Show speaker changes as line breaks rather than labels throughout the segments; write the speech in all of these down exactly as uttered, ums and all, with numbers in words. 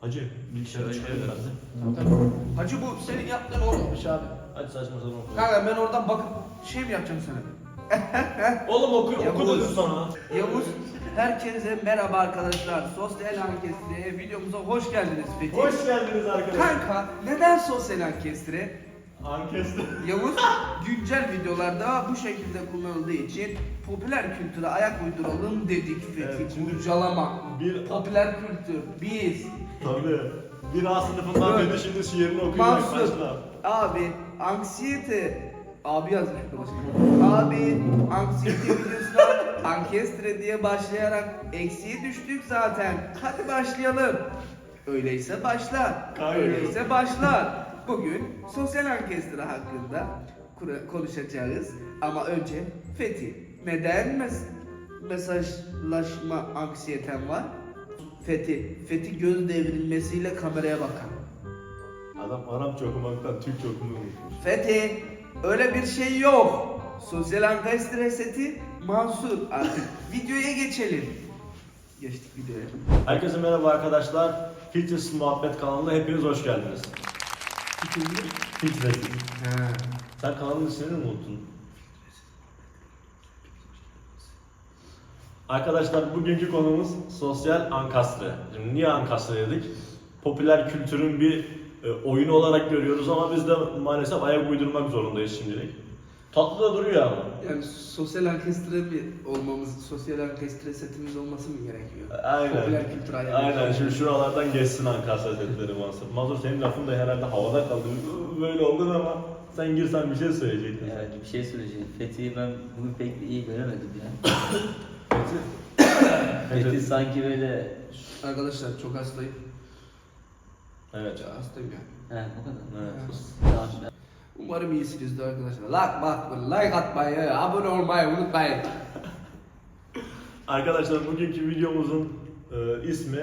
Hacı bilgisayarı çıkarıyor herhalde.
Tamam. Hacı bu senin yaptığın olmamış abi.
Hadi saçma sapan oku.
Kanka ben oradan bakıp şey mi yapacağım sana?
Oğlum oku,
Ya
oku
bu-
dedim sana.
Yavuz, herkese merhaba arkadaşlar. Sosyal Ankestre videomuza hoş geldiniz Fethi.
Hoş geldiniz arkadaşlar.
Kanka neden Sosyal Ankestre?
Ankestre.
Yavuz güncel videolarda bu şekilde kullanıldığı için popüler kültüre ayak uyduralım dedik Fethi.
Evet, şimdi
Kurcalama.
bir-
Popüler kültür. Biz.
Tabii. Bir A sınıfından
Evet.
beri şimdi şiirini okuyacak
Mansur.
başla.
Abi anksiyete. Abi yazmış burası. Abi anksiyete videosuna ankestre diye başlayarak eksiye düştük zaten. Hadi başlayalım. Öyleyse başla.
Hayır.
Öyleyse başla. Bugün sosyal ankestre hakkında kura- konuşacağız. Ama önce Fethi. Neden mes mesajlaşma anksiyeten var? Fethi. Fethi göz devrilmesiyle kameraya bakan.
Adam Arapça okumaktan Türkçe okumayı unutmuş.
Fethi, öyle bir şey yok. Sosyal ankestre seti Mansur. Artık videoya geçelim. Geçtik videoya.
Herkese merhaba arkadaşlar. Filtresiz Muhabbet kanalına hepiniz hoş geldiniz. Filtresiz.
Ha.
Sen kanalın ismini mi unuttun? Arkadaşlar bugünkü konumuz sosyal ankastre. Şimdi niye ankastre dedik? Popüler kültürün bir e, oyunu olarak görüyoruz ama biz de maalesef ayak uydurmak zorundayız şimdilik. Tatlı da duruyor ama.
Yani sosyal ankestre mi olmamız, sosyal ankestre setimiz olması mı gerekiyor?
Aynen.
Popüler kültür ayağı.
Aynen. Şimdi şuralardan geçsin ankastre setleri Mansur. Mansur senin lafın da herhalde havada kaldı. Böyle oldun ama sen girsen bir şey söyleyecektin.
Evet bir şey söyleyeceğim. Fethi'yi ben bugün pek iyi göremedim ya.
Fethi.
Fethi sanki böyle...
Arkadaşlar çok hastayım.
Evet.
Ya hastayım ya.
He o kadar.
Evet.
Tamam.
Umarım iyisinizdir arkadaşlar. Like bak, like atmayı, abone olmayı unutmayın.
Arkadaşlar bugünkü videomuzun e, ismi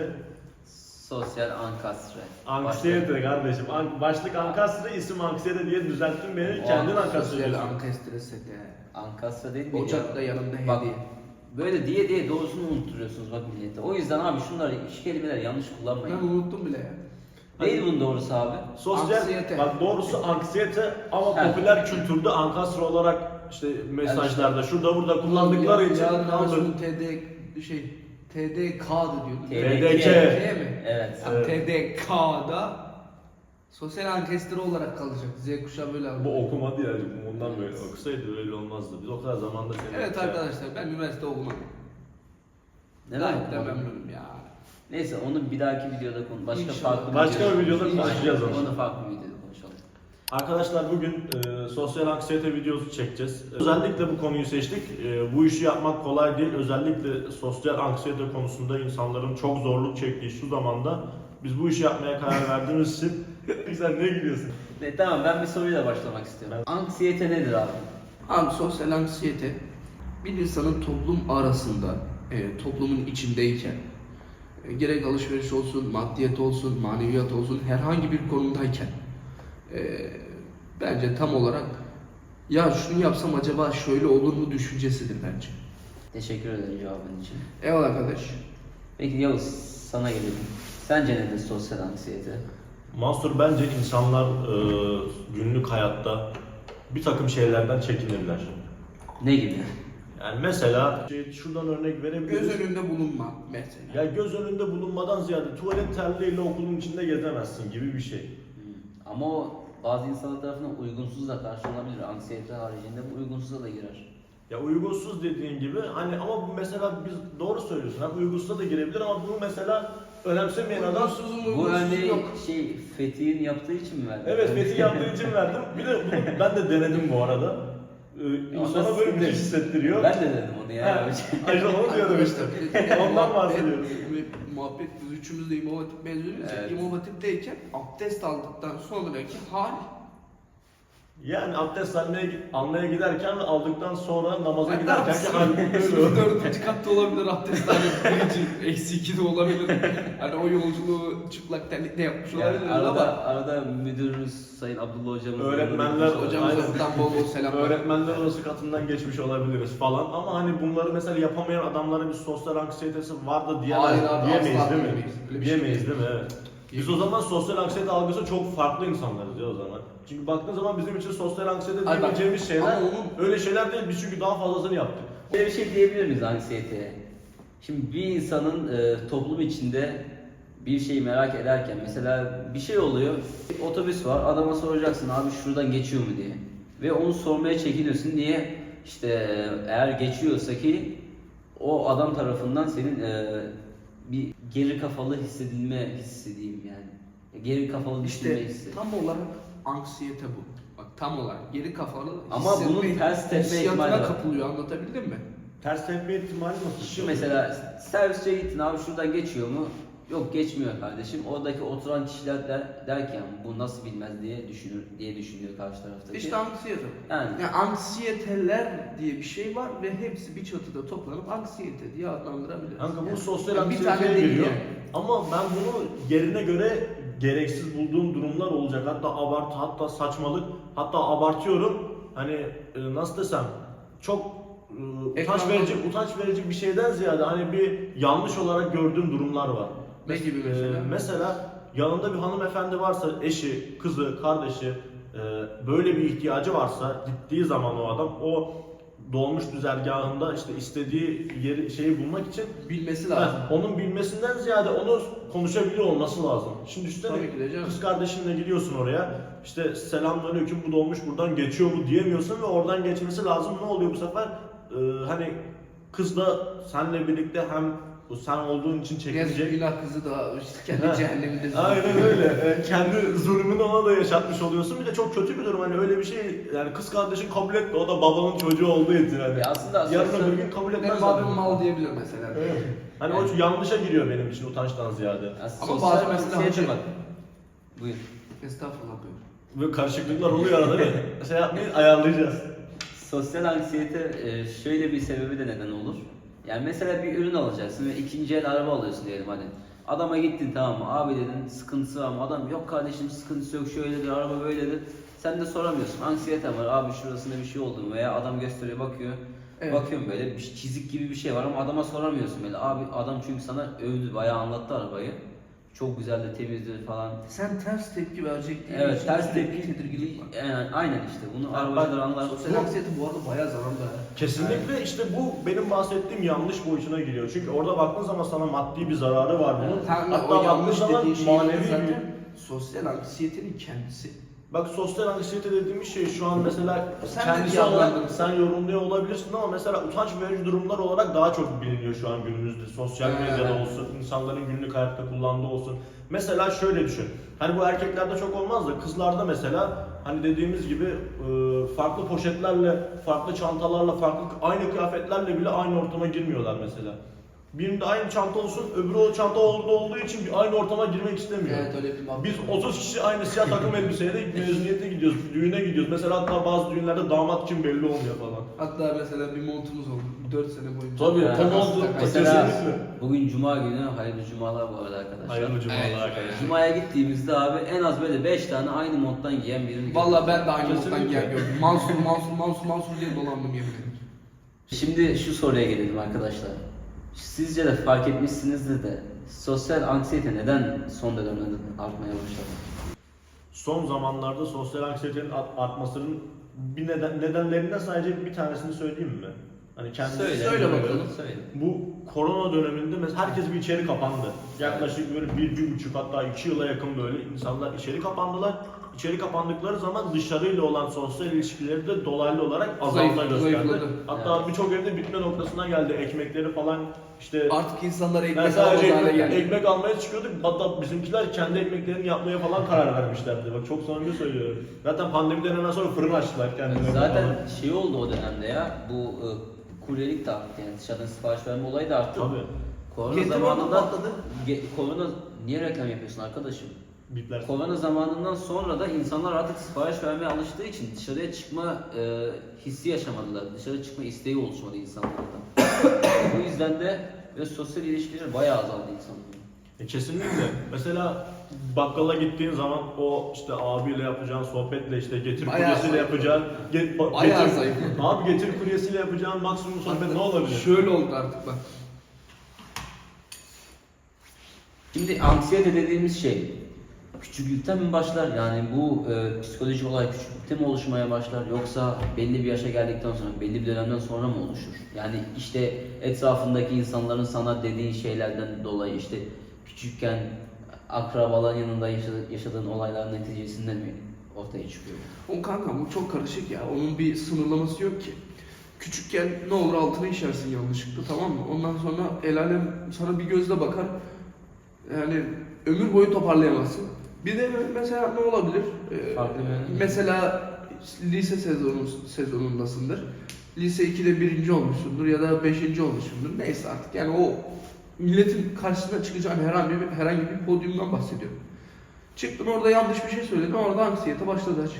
Sosyal ankastre.
Anksiyete kardeşim. An- başlık ankastre, isim anksiyete diye düzelttin beni.
O
Kendin
Sosyal
ankastre diyorsun.
ankestre seti.
Ankastre değil mi?
Ocakta yanında
Bak,
hediye.
böyle diye diye doğrusunu unutturuyorsunuz bak millete. O yüzden abi şunları, şu kelimeleri yanlış
Ben
kullanmayın.
unuttum bile ya.
Değil bunun doğrusu abi.
Sosyal,
Anksiyete.
bak doğrusu anksiyete ama
He.
popüler kültürde ankastre olarak işte mesajlarda şurada burada kullandıkları için
Yarın
kaldı.
Aras'ın T D şey T D K'dı diyordu.
T
D
D
K.
T mi?
Evet.
Yani
Evet.
T D K'da sosyal ankestre olarak kalacak. Z kuşağı böyle aldı.
Bu okumadı ya, ondan böyle okusaydı öyle olmazdı. Biz o kadar zamanda seni
Evet arkadaşlar ben üniversite okumadım.
Neden
Gayet de
okumadın?
memnunum ya.
Neyse onu bir dahaki videoda konu başka
İnşallah.
farklı
Başka bir videoda
İnşallah.
konuşacağız onu.
Onu farklı bir videoda konuşalım.
Arkadaşlar bugün e, sosyal anksiyete videosu çekeceğiz. Özellikle bu konuyu seçtik. E, bu işi yapmak kolay değil. Özellikle sosyal anksiyete konusunda insanların çok zorluk çektiği şu zamanda biz bu işi yapmaya karar verdiğimiz için sen ne gülüyorsun?
Ne, tamam ben bir soruyla başlamak istiyorum. Anksiyete nedir abi?
Abi sosyal anksiyete bir insanın toplum arasında, e, toplumun içindeyken e, gerek alışveriş olsun, maddiyat olsun, maneviyat olsun herhangi bir konumdayken e, bence tam olarak ya şunu yapsam acaba şöyle olur mu düşüncesidir bence.
Teşekkür ederim cevabın için.
Eyvallah arkadaş.
Peki Yavuz sana gelelim. Sence nedir sosyal anksiyete?
Mansur, bence insanlar e, günlük hayatta bir takım şeylerden çekinirler.
Ne gibi?
Yani mesela şey, şuradan örnek verebiliriz.
Göz önünde bulunma mesela.
Ya göz önünde bulunmadan ziyade tuvalet terliğiyle okulun içinde gezemezsin gibi bir şey.
Hmm. Ama o bazı insanlar tarafından uygunsuz da karşılanabilir. Anksiyete haricinde bu uygunsuza da girer.
Ya uygunsuz dediğin gibi hani ama bu mesela biz doğru söylüyorsun. Hem uygunsuza da girebilir ama bunu mesela önemsemeyen adam.
Uygunsuzun
Bu
uygunsuz
örneği
yok.
şey Fethi'nin yaptığı için mi verdin?
Evet, Fethi yaptığı için verdim. Bir de bunu ben de denedim bu arada. Ee,
Ama
insana böyle bir şey
sinir.
hissettiriyor.
Ben de dedim onu ya.
Ha, Ayşe onu diyorum işte.
Arkadaşlar,
Ondan
muhabbet-
bahsediyorum.
Muhabbet biz üçümüz de İmam Hatip mezunuyuz. ya.
Evet.
İmam Hatip'teyken abdest aldıktan sonraki hal
Yani abdest almaya, almaya giderken ve aldıktan sonra namaza
Hatta
giderken ki
sınıf-
halbuki böyle
sınıf
oluyor.
dördüncü katta olabilir abdesthane birinci, eksi iki de olabilir. Hani o yolculuğu çıplak terlikle yapmış
Yani
olabilir
arada,
ama
arada müdürümüz Sayın Abdullah hocamız
Öğretmenler-
hocamıza
Aynen.
buradan bol bol selamlar.
Öğretmenler odası katından geçmiş olabiliriz falan ama hani bunları mesela yapamayan adamların bir sosyal anksiyetesi var da diyemez,
Hayır abi,
diyemeyiz
asla
değil mi?
diyemeyiz. Öyle bir şey
Diyemeyiz
değil.
değil mi? Evet. Biz o zaman sosyal anksiyete algısı çok farklı insanlarız ya o zaman. Çünkü baktığın zaman bizim için sosyal anksiyete
Ay bak,
diyebileceğimiz şeyler
ama onun-
öyle şeyler değil. Biz çünkü daha fazlasını yaptık.
Böyle bir şey diyebilir miyiz anksiyeteye? Şimdi bir insanın e, toplum içinde bir şeyi merak ederken mesela bir şey oluyor, otobüs var, adama soracaksın abi şuradan geçiyor mu diye. Ve onu sormaya çekiniyorsun. Niye? İşte e, eğer geçiyorsa ki o adam tarafından senin e, bir geri kafalı hissedilme hissi diyeyim yani. Geri kafalı düşünme
İşte
hissi.
tam olarak anksiyete bu. Bak tam olarak geri kafalı
Ama
hissetme,
bunun ters tepme
hissiyatına
ihtimali var.
kapılıyor, anlatabildim mi?
Ters tepme ihtimali nasıl?
Şu mesela servisçiye gittin abi şuradan geçiyor mu? Yok geçmiyor kardeşim. Oradaki oturan kişiler der, der ki "Yani bu nasıl bilmez diye düşünür diye düşünüyor karşı taraftaki.
İşte anksiyete.
Yani
Yani anksiyeteler diye bir şey var ve hepsi bir çatıda toplanıp anksiyete diye adlandırabiliriz.
Kanka bu
Yani
sosyal
bir
anksiyeteye
tane değil
giriyor.
yani.
Ama ben bunu yerine göre gereksiz bulduğum durumlar olacak. Hatta abartı, hatta saçmalık, hatta abartıyorum. Hani e, nasıl desem çok e, utanç
Ekrandan-
verici, utanç verici bir şeyden ziyade hani bir yanlış olarak gördüğüm durumlar var.
Ne gibi mesela?
E, mesela yanında bir hanımefendi varsa eşi, kızı, kardeşi e, böyle bir ihtiyacı varsa gittiği zaman o adam o dolmuş düzergahında işte istediği yeri şeyi bulmak için
Bilmesi lazım.
ha, onun bilmesinden ziyade onu konuşabiliyor olması lazım. Şimdi üstüne
Tabii ki de canım.
kız kardeşinle gidiyorsun oraya. İşte selamünaleyküm bu dolmuş buradan geçiyor mu diyemiyorsun ve oradan geçmesi lazım. Ne oluyor bu sefer? Ee, hani kız da seninle birlikte hem bu sen olduğun için
Yazık
çekinecek.
günah kızı da işte kendi
Ha.
cehenneminde.
Aynen öyle. Yani kendi zulmünü ona da yaşatmış oluyorsun. Bir de çok kötü bir durum hani öyle bir şey yani kız kardeşin kabul etti o da babanın çocuğu olduğu için hani.
Ya aslında
Yarın
sosyal-
öbür gün kabul etmez.
Benim
zaten.
abim mal diyebilir mesela.
Evet. Hani o yanlışa giriyor benim için utançtan ziyade.
Ya
Ama
sosyal
bazı mesela
anksiyete
hacı-
bak. Buyur.
Estağfurullah buyur.
Böyle karışıklıklar oluyor arada değil mi? Şey yapmayı ayarlayacağız.
Sosyal anksiyete e, şöyle bir sebebi de neden olur. Yani mesela bir ürün alacaksın ve ikinci el araba alıyorsun diyelim hadi. Adama gittin tamam mı? Abi dedin sıkıntısı var mı? Adam yok kardeşim sıkıntısı yok şöyledir araba böyledir. Sen de soramıyorsun. Anksiyete var abi şurasında bir şey oldu mu? Veya adam gösteriyor bakıyor.
Evet.
Bakıyorum böyle bir çizik gibi bir şey var ama adama soramıyorsun böyle. Abi adam çünkü sana övdü bayağı anlattı arabayı. Çok güzel de temizdir falan.
Sen ters tepki verecek diye
Evet
için
ters
sürekli
tepki
tedirginlik var.
Yani, aynen işte bunu
Ha,
arabacılar
bak,
anlar.
Sosyal anksiyete bu arada bayağı zararlı ha.
Kesinlikle işte bu benim bahsettiğim yanlış boyutuna giriyor. Çünkü orada baktığın zaman sana maddi bir zararı var bunun.
Tam
Hatta
o
baktığın
yanlış
zaman
dediğin şey
manevi bir...
zaten sosyal anksiyetenin kendisi.
Bak sosyal anksiyete dediğimiz şey şu an mesela
Sen de
kendisi
bir
olarak
yandan-
sen yorumluyor olabilirsin ama mesela utanç verici durumlar olarak daha çok biliniyor şu an günümüzde. Sosyal
Evet.
medyada olsun, insanların günlük hayatta kullandığı olsun. Mesela şöyle düşün. Hani bu erkeklerde çok olmaz da kızlarda mesela hani dediğimiz gibi e, farklı poşetlerle, farklı çantalarla, farklı aynı kıyafetlerle bile aynı ortama girmiyorlar mesela. Birinde aynı çanta olsun, öbürü o çanta orada olduğu için bir aynı ortama girmek istemiyor.
Evet öyle bir muhabbet
Biz
var.
otuz kişi aynı siyah takım elbiseyle mezuniyete gidiyoruz, düğüne gidiyoruz. Mesela hatta bazı düğünlerde damat kim belli olmuyor falan.
Hatta mesela bir montumuz oldu dört sene boyunca.
Tabii,
Evet.
tam oldu.
Mesela
Kesinlikle.
bugün cuma günü hayırlı cumalar bu arada arkadaşlar.
Hayırlı cumalar
Evet.
arkadaşlar.
Cuma'ya gittiğimizde abi en az böyle beş tane aynı monttan giyen birini gördüm.
Valla ben de aynı
Kesinlikle.
moddan gel gördüm. Mansur, Mansur, Mansur, Mansur diye dolandım yemin ederim.
Şimdi şu soruya gelelim arkadaşlar. Sizce de fark etmişsinizdir de sosyal anksiyete neden son dönemde artmaya başladı?
Son zamanlarda sosyal anksiyetenin art- artmasının bir neden, nedenlerinden sadece bir tanesini söyleyeyim mi? Hani kendisi
Söyle,
söyle bakalım.
Söyle.
Bu korona döneminde mesela herkes bir içeri kapandı. Yaklaşık böyle bir, bir buçuk hatta iki yıla yakın böyle insanlar içeri kapandılar. İçeri kapandıkları zaman dışarıyla olan sosyal ilişkileri de dolaylı olarak azalma
Zayıf-
gösterdi.
zayıfladı.
Hatta
Evet.
birçok evde bitme noktasına geldi. Ekmekleri falan işte
Artık insanlar
ben
ekmek alamaz
sadece
hale
ekmek,
geldi.
ekmek almaya çıkıyorduk. Hatta bizimkiler kendi ekmeklerini yapmaya falan karar vermişlerdi. Bak çok samimi söylüyorum. Zaten pandemiden hemen sonra fırın açtılar kendilerine.
Zaten
falan.
şey oldu o dönemde ya bu e, kuryelik de arttı yani dışarıdan sipariş verme olayı da arttı.
Tabii.
Korona
Getir
zamanında
onu patladı.
Ge- korona niye reklam yapıyorsun arkadaşım?
Bipler.
Korona zamanından sonra da insanlar artık sipariş vermeye alıştığı için dışarıya çıkma e, hissi yaşamadılar. Dışarı çıkma isteği oluşmadı insanlarda. Bu yüzden de ve sosyal ilişkiler bayağı azaldı insanların.
E kesinlikle. Mesela bakkala gittiğin zaman o işte abiyle yapacağın sohbetle işte getir
Bayağı
kuryesiyle
zayıf.
yapacağın get, ba-
Bayağı
getir,
zayıf.
Abi getir kuryesiyle yapacağın maksimum sohbet ne olabilir?
Şöyle oldu artık bak.
Şimdi anksiyete dediğimiz şey küçüklükten mi başlar? Yani bu e, psikolojik olay küçüklükte mi oluşmaya başlar? Yoksa belli bir yaşa geldikten sonra, belli bir dönemden sonra mı oluşur? Yani işte etrafındaki insanların sana dediği şeylerden dolayı işte küçükken akrabaların yanında yaşadığın, yaşadığın olayların neticesinde mi ortaya çıkıyor?
O kanka bu çok karışık ya. Onun bir sınırlaması yok ki. Küçükken ne olur altına işersin yanlışlıkla, tamam mı? Ondan sonra el alem sana bir gözle bakar. Yani ömür boyu toparlayamazsın. Bir de mesela ne olabilir? Ee,
Farklı bir-
mesela lise sezonu, sezonundasındır. Lise ikide birinci olmuşsundur ya da beşinci olmuşsundur. Neyse artık yani o milletin karşısına çıkacağın herhangi bir, herhangi bir podyumdan bahsediyorum. Çıktın orada yanlış bir şey söyledin, orada anksiyete başladı açık.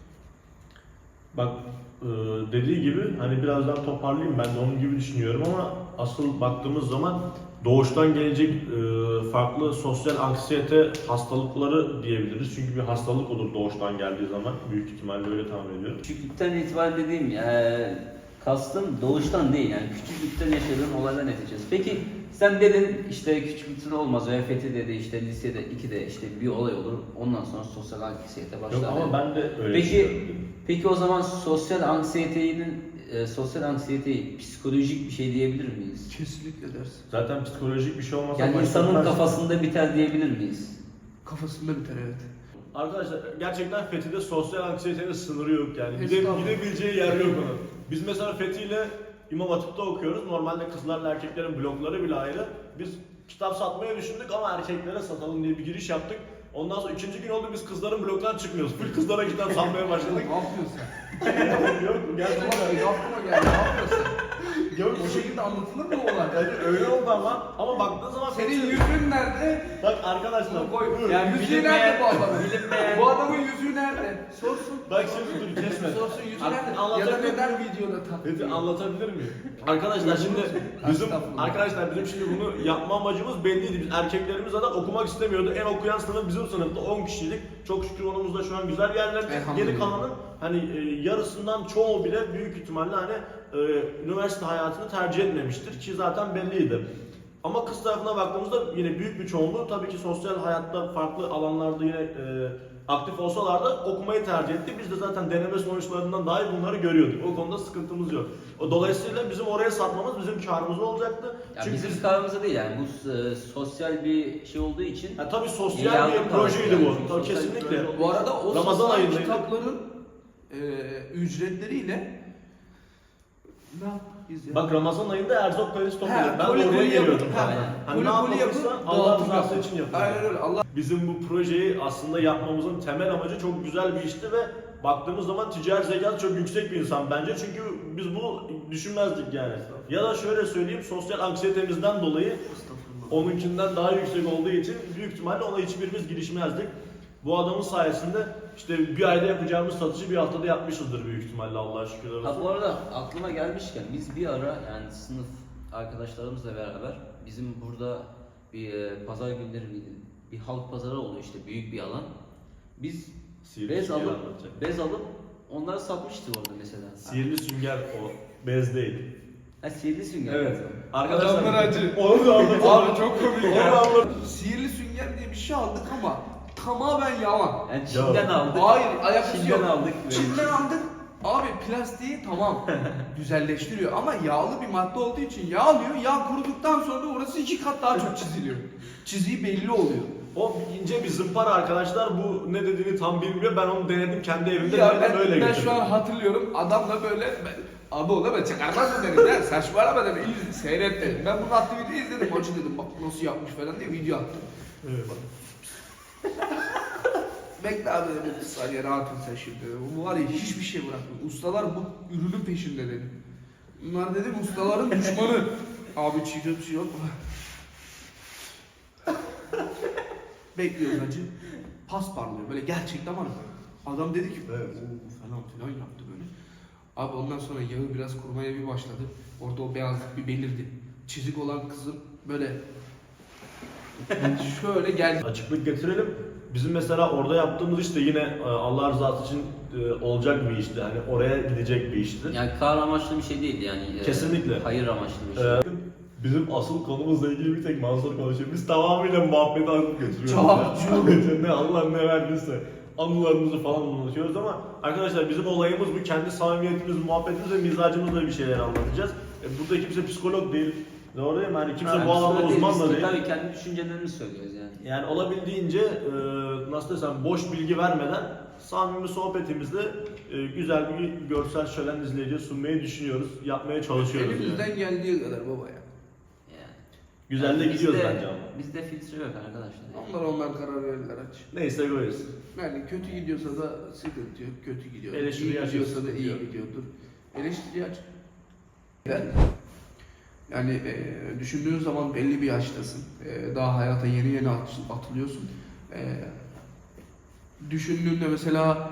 Bak e, dediği gibi hani birazdan toparlayayım, ben de onun gibi düşünüyorum ama asıl baktığımız zaman doğuştan gelecek e, farklı sosyal anksiyete hastalıkları diyebiliriz. Çünkü bir hastalık olur doğuştan geldiği zaman, büyük ihtimalle öyle tahmin ediyorum.
Küçüklükten itibaren dediğim ya, kastım doğuştan değil yani küçüklükten yaşadığın olaylar neticesi. Peki sen dedin işte küçüklükten olmaz ve Fethi dedi işte lisede ikide işte bir olay olur ondan sonra sosyal anksiyete başlar.
Yok ama ben de öyle
Peki
düşünüyorum.
peki o zaman sosyal anksiyetenin e, sosyal anksiyeteyi psikolojik bir şey diyebilir miyiz?
Kesinlikle dersin.
Zaten psikolojik bir şey olmasa
Yani
başka
insanın
bir-
kafasında biter diyebilir miyiz?
Kafasında biter, evet.
Arkadaşlar gerçekten Fethi'de sosyal anksiyetenin sınırı yok yani. Gide,
Estağfurullah.
gidebileceği yer yok onun. Biz mesela Fethi ile İmam Hatip'te okuyoruz. Normalde kızlarla erkeklerin blokları bile ayrı. Biz kitap satmaya düşündük ama erkeklere satalım diye bir giriş yaptık. Ondan sonra ikinci gün oldu biz kızların bloktan çıkmıyoruz. Full kızlara kitap satmaya başladık.
Ne yapıyorsun sen?
Yok gerçekten.
Gerçekten. Aklıma geldi, ne yapıyorsun?
Yok
O şekilde anlatılır mı olay?
yani öyle oldu ama ama baktığın zaman
Senin
Fethi-
yüzüğün nerede?
Bak arkadaşlar
Bunu koy.
dur.
Yani yüzüğü
bilinmeyen-
nerede bu adamın?
bilinmeyen-
Bu adamın yüzüğü nerede? Sorsun.
Bak şimdi dur kesme.
Sorsun yüzüğü
An-
nerede? Ya da
anlatabilir
neden
miyim?
videoda tak?
Fethi anlatabilir miyim? Arkadaşlar şimdi bizim
Estağfurullah.
arkadaşlar bizim şimdi bunu yapma amacımız belliydi. Biz erkeklerimiz zaten okumak istemiyordu. En okuyan sınıf bizim sınıfta on kişiydik. Çok şükür onumuzda şu an güzel yerlerde.
Elhamdülillah.
Geri kalanın hani e, yarısından çoğu bile büyük ihtimalle hani e, üniversite hayatını tercih etmemiştir ki zaten belliydi. Ama kız tarafına baktığımızda yine büyük bir çoğunluğu tabii ki sosyal hayatta farklı alanlarda yine e, aktif olsalar da okumayı tercih etti. Biz de zaten deneme sonuçlarından dahi bunları görüyorduk. O konuda sıkıntımız yok. O dolayısıyla bizim oraya satmamız bizim karımız olacaktı.
Ya
Çünkü
bizim
biz,
kararımıza değil yani bu e, sosyal bir şey olduğu için
ya tabii sosyal
İlan
bir
tarzı
projeydi
yani.
bu.
Çünkü
Tabii
sosyal bir
kesinlikle.
proje olduğu
Bu arada o
Ramazan
satılan
ayındaydı.
kitapların e, ücretleriyle ne yapıyız ya?
Bak Ramazan ayında Erzok Kalesi
Ha,
toplayacak. Ben
koli
de oraya
koli
geliyordum.
yapıp-
zaten.
ha,
Hani ne
koli koli
yapılırsa
yapıp
Allah
dağıtım
rızası
yapın.
için yapılıyor.
Aynen öyle. Allah
Bizim bu projeyi aslında yapmamızın temel amacı çok güzel bir işti ve baktığımız zaman ticari zekası çok yüksek bir insan bence. Çünkü biz bunu düşünmezdik yani. Ya da şöyle söyleyeyim, sosyal anksiyetemizden dolayı onunkinden daha yüksek olduğu için büyük ihtimalle ona hiçbirimiz girişmezdik. Bu adamın sayesinde işte bir ayda yapacağımız satışı bir haftada yapmışızdır büyük ihtimalle Allah'a şükürler olsun.
Ha bu arada aklıma gelmişken biz bir ara yani sınıf arkadaşlarımızla beraber bizim burada bir e, pazar günleri miydi? Bir halk pazarı oluyor işte büyük bir alan. Biz
Sihirli
bez
sünger
alıp
anlatacak.
bez alıp onları satmıştık orada mesela.
Sihirli sünger o, bez değil.
Ha sihirli sünger.
Evet.
Adamlar acı.
Onu da anlatalım.
Abi çok komik
Onu
ya.
anlatalım.
Sihirli sünger diye bir şey aldık ama tamamen yalan.
Yani Çin'den
Ya.
aldık.
Hayır, alakası
Çin'den
yok.
aldık.
Çin'den aldık. Abi plastiği tamam güzelleştiriyor ama yağlı bir madde olduğu için yağlıyor. Yağ kuruduktan sonra orası iki kat daha çok çiziliyor. Çiziği belli oluyor.
O ince bir zımpara arkadaşlar, bu ne dediğini tam bilmiyor. Ben onu denedim kendi evimde,
Ya
denedim,
ben,
öyle
ben
getirdim.
şu an hatırlıyorum adamla böyle ben, abi o da ben çıkarmaz mı dedim ya saçmalama dedim İyi, seyret dedim. Ben bunu attı videoyu izledim maçı dedim bak nasıl yapmış falan diye video attım.
Evet.
Bekle abi dedim bir saniye rahat ol sen şimdi. Bu var ya hiçbir şey bırakmıyor. Ustalar bu ürünün peşinde dedim. Bunlar dedim ustaların düşmanı. Abi çiğ bir şey yok mu? Bekliyoruz acı. Pas parlıyor böyle gerçekten var. Adam dedi ki
Evet.
"Oo," falan filan yaptı böyle. Abi ondan sonra yağı biraz kurumaya bir başladı. Orada o beyazlık bir belirdi. Çizik olan kızın böyle şöyle geldi.
Açıklık getirelim. Bizim mesela orada yaptığımız iş de yine e, Allah rızası için e, olacak bir işti. Hani oraya gidecek bir işti.
Yani kar amaçlı bir şey değil yani. e,
Kesinlikle.
Hayır amaçlı bir şey.
Ee, Bizim asıl konumuzla ilgili bir tek Mansur konuşuyor. Biz tamamıyla muhabbeti alıp götürüyoruz.
Çok,
ya. ne Allah ne verdiyse. Anılarımızı falan anlatıyoruz ama arkadaşlar bizim olayımız bu. Kendi samimiyetimiz, muhabbetimiz ve mizacımızla bir şeyler anlatacağız. E, burada kimse psikolog değil. Doğru değil mi? Hani kimse
Yani
bu alanda
biz
uzman da
de
değil.
Tabii kendi düşüncelerimizi söylüyoruz yani.
Yani olabildiğince e, nasıl desem boş bilgi vermeden samimi sohbetimizde e, güzel bir görsel şölen izleyiciye sunmayı düşünüyoruz. Yapmaya çalışıyoruz.
Elimizden
Yani.
geldiği kadar baba ya.
yani.
Güzel de
Yani
gidiyoruz
bizde-
bence ama.
Bizde filtre yok arkadaşlar.
Onlar onlar karar verirler aç.
Neyse koyuz.
Yani kötü gidiyorsa da sıkıntı yok, kötü gidiyor.
Eleştiriyi
iyi
açıyoruz,
gidiyorsa da iyi
sıkıntı yok.
gidiyordur. Eleştiri aç. Ben yani e, düşündüğün zaman belli bir yaştasın. E, daha hayata yeni yeni at- atılıyorsun. E, düşündüğünde mesela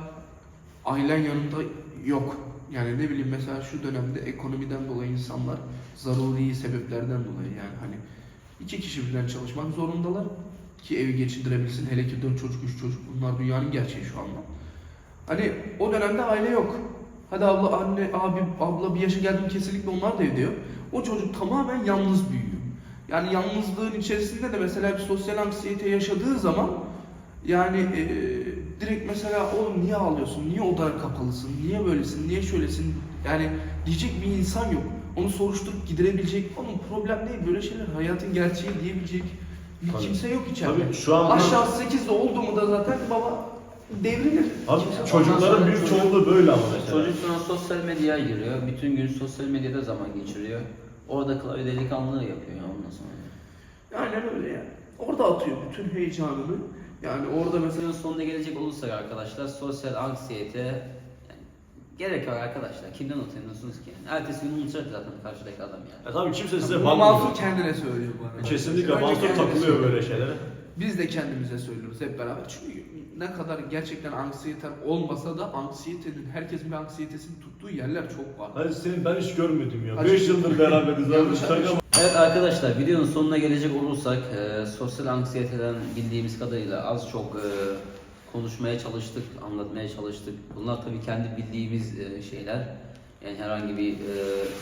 ailen yanında yok. Yani ne bileyim mesela şu dönemde ekonomiden dolayı insanlar zaruri sebeplerden dolayı yani hani iki kişi birden çalışmak zorundalar ki evi geçindirebilsin. Hele ki dört çocuk, üç çocuk bunlar dünyanın gerçeği şu anda. Hani o dönemde aile yok. Hadi abla, anne, abi, abla bir yaşa geldim kesinlikle onlar da evde yok. O çocuk tamamen yalnız büyüyor. Yani yalnızlığın içerisinde de mesela bir sosyal anksiyete yaşadığı zaman yani e, direkt mesela oğlum niye ağlıyorsun, niye odana kapalısın, niye böylesin, niye şöylesin yani diyecek bir insan yok. Onu soruşturup giderebilecek, onun problem değil böyle şeyler hayatın gerçeği diyebilecek bir
Tabii.
kimse yok içeride.
Tabii şu an
Aşağı sekizde oldu mu da zaten baba devrilir.
Abi
Ondan
çocukların
sonra
büyük
çocuk-
çoğunluğu böyle ama mesela.
Çocuk sonra sosyal medyaya giriyor. Bütün gün sosyal medyada zaman geçiriyor. Orada klavye delikanlılığı yapıyor ya ondan sonra.
Aynen öyle yani. Orada atıyor bütün heyecanını. Yani orada mesela
Videonun sonuna gelecek olursak arkadaşlar sosyal anksiyete yani gerek var arkadaşlar. Kimden utanıyorsunuz ki? Yani ertesi gün unutacak zaten karşıdaki adam yani.
Ya tabii kimse size
bunu
bakmıyor.
Mansur kendine söylüyor bu arada.
Kesinlikle
Önce
Mansur
kendine
takılıyor
söylüyor.
böyle şeylere.
Biz de kendimize söylüyoruz hep beraber. Çünkü ne kadar gerçekten anksiyeten olmasa da anksiyetenin, herkesin bir anksiyetesini tuttuğu yerler çok var.
Hadi senin ben hiç görmedim ya.
Hadi.
beş yıldır beraberiz abi.
Yanlış
Şaka
anlaşılma.
mı?
Evet arkadaşlar videonun sonuna gelecek olursak e, sosyal anksiyeteden bildiğimiz kadarıyla az çok e, konuşmaya çalıştık, anlatmaya çalıştık. Bunlar tabii kendi bildiğimiz e, şeyler. Yani herhangi bir e,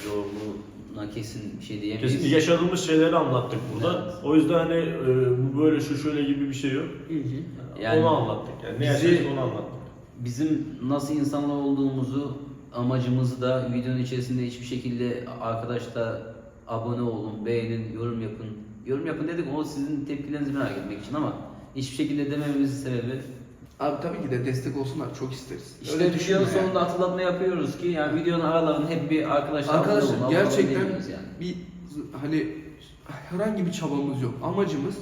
yorumuna kesin bir şey diyemeyiz.
Kesinlikle yaşadığımız şeyleri anlattık burada.
Evet.
O yüzden hani e, bu böyle şu şöyle gibi bir şey yok.
Yani
onu anlattık yani. Ne
bizi-
yaşadık onu anlattık.
Bizim nasıl insanlar olduğumuzu, amacımızı da videonun içerisinde hiçbir şekilde arkadaşlar abone olun, beğenin, yorum yapın. Yorum yapın dedik o sizin tepkilerinizi merak etmek için ama hiçbir şekilde demememizin sebebi
Abi tabii ki de destek olsunlar çok isteriz.
işte
Öyle düşünme
videonun
yani.
sonunda hatırlatma yapıyoruz ki yani videonun aralarında hep bir arkadaşlar abone olun,
Arkadaşlar
abone
gerçekten
olun diyoruz yani.
bir hani herhangi bir çabamız yok. Amacımız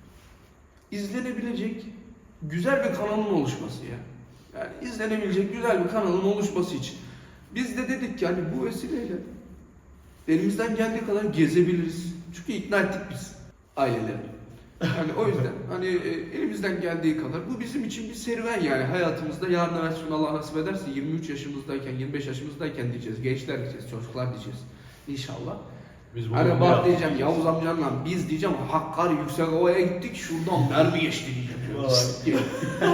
izlenebilecek güzel bir kanalın oluşması ya. Yani izlenebilecek güzel bir kanalın oluşması için. Biz de dedik ki hani bu vesileyle elimizden geldiği kadar gezebiliriz. Çünkü ikna ettik biz aileleri. Yani o yüzden hani e, elimizden geldiği kadar bu bizim için bir serüven yani hayatımızda yarın evvel sonra Allah nasip ederse yirmi üç yaşımızdayken yirmi beş yaşımızdayken diyeceğiz gençler diyeceğiz çocuklar diyeceğiz inşallah.
Biz bunu
Hani
bunu
bak
yaptık.
diyeceğim Yavuz amcanla biz diyeceğim Hakkari Yüksekova'ya gittik şuradan mermi geçti diyeceğim.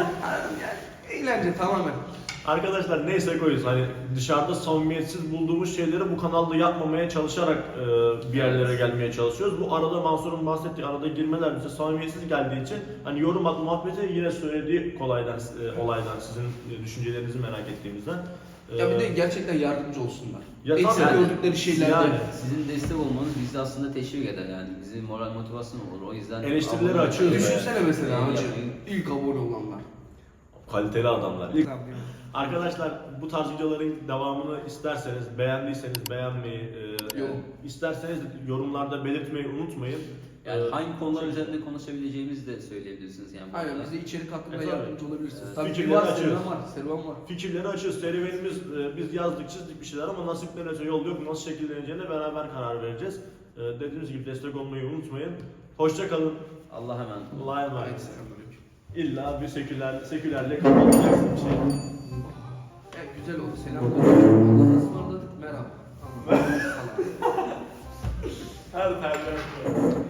yani eğlence tamamen.
Arkadaşlar neyse koyuz hani dışarıda samimiyetsiz bulduğumuz şeyleri bu kanalda yapmamaya çalışarak e, bir yerlere gelmeye çalışıyoruz. Bu arada Mansur'un bahsettiği arada girmeler bize samimiyetsiz geldiği için hani yorum at muhabbeti yine söylediği kolaydan e, olaydan sizin e, düşüncelerinizi merak ettiğimizden. E,
Ya bir de gerçekten yardımcı olsunlar.
Ya
Eksik
tabii.
gördükleri şeylerde.
Yani.
Sizin destek olmanız bizi aslında teşvik eder yani. Bizi moral motivasyon olur. O yüzden
Eleştirileri
abone-
açıyoruz.
Düşünsene mesela
Yani
hacı
yapmayın.
ilk abone olanlar.
kaliteli adamlar.
Tamam, değil mi?
Arkadaşlar bu tarz videoların devamını isterseniz beğendiyseniz beğenmeyi, e,
Yorum.
isterseniz yorumlarda belirtmeyi unutmayın.
Yani
E,
hangi konular üzerinde konuşabileceğimizi de söyleyebilirsiniz yani. bu
Aynen
arada.
bize içerik hakkında
E, tabii.
yardımcı olabilirsiniz.
Evet.
Tabii ki
Fikirleri
var,
açıyoruz.
serüven var, serüven var.
Fikirleri açıyoruz. Serüvenimiz e, biz yazdık çizdik bir şeyler ama nasiplenirse yol yok. Nasıl şekilleneceğine beraber karar vereceğiz. E, dediğimiz gibi destek olmayı unutmayın. Hoşça kalın.
Allah'a emanet olun.
Allah'a emanet.
Haydi selamünaleyküm.
İlla bir seküler, sekülerle kapatacaksın bir şey.
Evet, güzel oldu. Selamünaleyküm. Allah'a ısmarladık. Merhaba. Allah'a ısmarladık.
Her tercih.